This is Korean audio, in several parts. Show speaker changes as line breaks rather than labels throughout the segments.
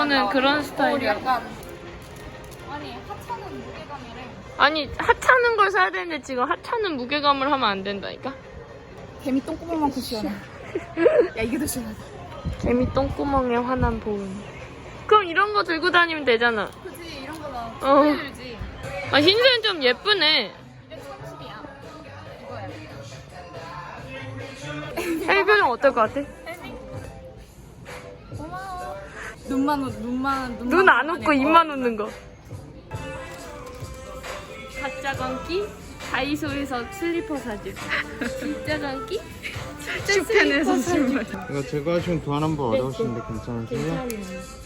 이거는 그런 스타일이야.
약간 아니 하찮은 무게감이래.
아니 하찮은 걸 사야 되는데 지금 하찮은 무게감을 하면 안 된다니까.
개미 똥구멍만큼 시원해. 야 이게 더 시원하다.
개미 똥구멍에 화난 보은. 그럼 이런 거 들고 다니면 되잖아.
그치 이런 거나
어.
들지.
아 흰색은 좀 예쁘네.
230이야. 이거야.
혜미 표정 어떨 것 같아?
고마워. 눈만
눈 안 웃고 입만 웃는 거. 가짜 광기 다이소에서 슬리퍼 사줄. 진짜 광기
슈펜에서 신발.
이거 제거하시면 교환 번 어려우신데 괜찮으세요?
괜찮아요.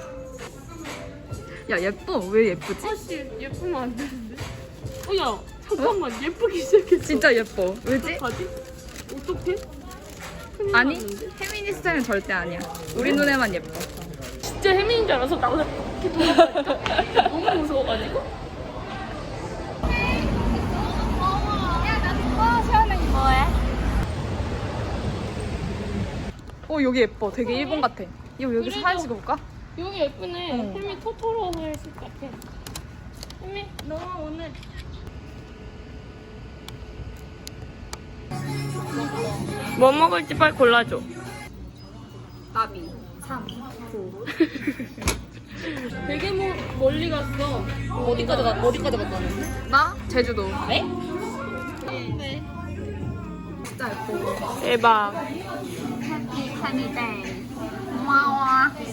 야 예뻐. 왜 예쁘지?
아씨 예쁘면 안 되는데. 야 잠깐만 예쁘기 시작했어.
진짜 예뻐. 왜지?
어떡하지? 어떡해? 큰일
아니
났는데?
페미니스트는 절대 아니야. 우리 눈에만 예뻐.
진짜 혜민인 줄 알아서 나보다 이렇게 돌아가니까 너무 무서워가지고.
여기 예뻐. 되게 일본 같아. 이거 여기서
그래도-
사진 찍어볼까?
여기 예쁘네.
어.
혜미 토토로 했을 것 같아. 혜미 너 오늘 뭐 먹을지 빨리 골라줘.
나비 3, 9.
되게 멀리 갔어.
어디까지 갔다는? 나 제주도.
네?
진짜 예뻐.
대박.
해피 하니데이. 고마워.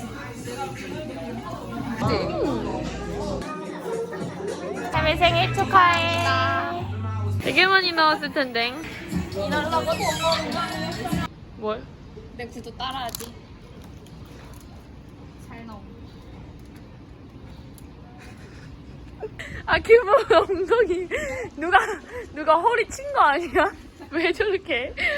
혜미 생일 축하해. 되게 많이 나왔을 텐데.
일하려고 돈 버는
뭘?
내 구두 따라하지. 잘 나옴.
아 기분 엉덩이 누가 허리 친 거 아니야? 왜 저렇게?